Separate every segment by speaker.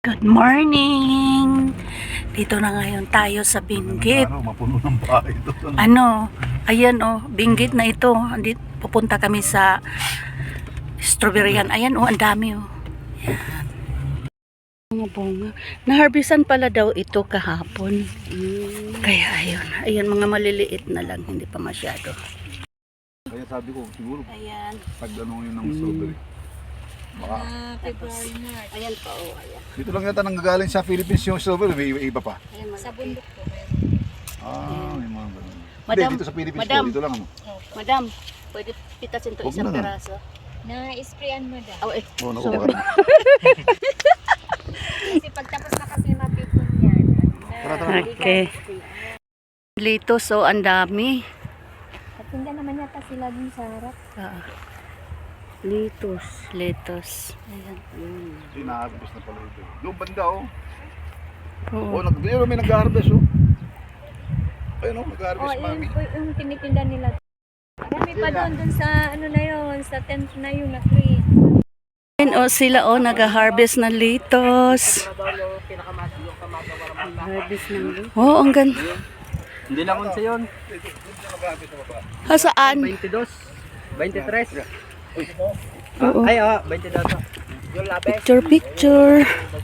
Speaker 1: Good morning! Dito na ngayon tayo sa Benguet.
Speaker 2: Mapuno ng bahay doon.
Speaker 1: Ayan Benguet na ito. Pupunta kami sa strawberryan. Ayan ang dami Ayan. Mga bunga. Naharbisan pala daw ito kahapon. Kaya ayan mga maliliit na lang, hindi pa masyado.
Speaker 2: Kaya sabi ko, siguro,
Speaker 1: Ayan.
Speaker 2: pag yun ng strawberry. Baka,
Speaker 3: February, March.
Speaker 1: Ayan pa ayan.
Speaker 2: dito lang yata nanggagaling sa Philippines yung strawberry, may iba pa.
Speaker 1: Ayan,
Speaker 3: Sa bundok po.
Speaker 2: May mga ganun.
Speaker 1: Madam,
Speaker 2: Hindi, dito sa Philippines
Speaker 1: madam.
Speaker 2: po, dito lang
Speaker 1: Madam, pwede pitasin to
Speaker 2: Huwag
Speaker 1: isang
Speaker 2: na.
Speaker 1: peraso.
Speaker 3: Na-sprayan mo daw.
Speaker 2: Oo, naku,
Speaker 1: Sorry.
Speaker 2: baka.
Speaker 3: Kasi pagtapos na kasi mapipon yan.
Speaker 2: Tara.
Speaker 1: Okay. Lito, so ang dami.
Speaker 3: Patinda naman yata sila dun sa harap.
Speaker 1: Litos. Ayan.
Speaker 2: Inaagos na pala ito. Doon banda
Speaker 1: Oo.
Speaker 2: May nag-harvest Ayun nag-harvest mami.
Speaker 3: Yung tinitinda nila. Marami pa doon sa ano na yun, sa tent na yun na tree.
Speaker 1: Ayan sila nag-harvest ng litos. Harvest ng litos. Ang ganda.
Speaker 4: Hindi lang unsa yun.
Speaker 1: Saan?
Speaker 4: 22. 23.
Speaker 1: Oo.
Speaker 4: Ay, 22. Yung labes.
Speaker 1: Picture.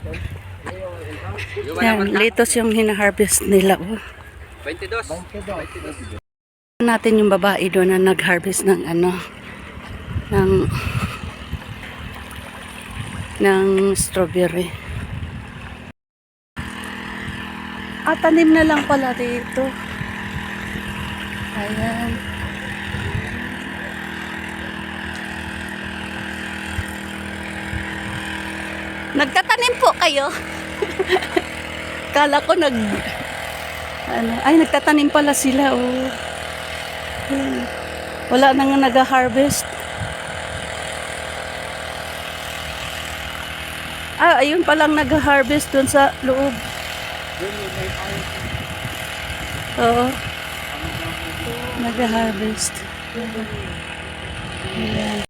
Speaker 1: Yan, litos yung hina-harvest nila.
Speaker 4: 22.
Speaker 1: Natin yung babae doon na nag-harvest ng ng strawberry. Tanim na lang pala dito. Ayan. Nagtatanim po kayo? Kala ko nagtatanim pala sila Ayan. Wala nang nag-harvest. Ayun palang nag-harvest dun sa loob. Oo. Nag-harvest. Ayan.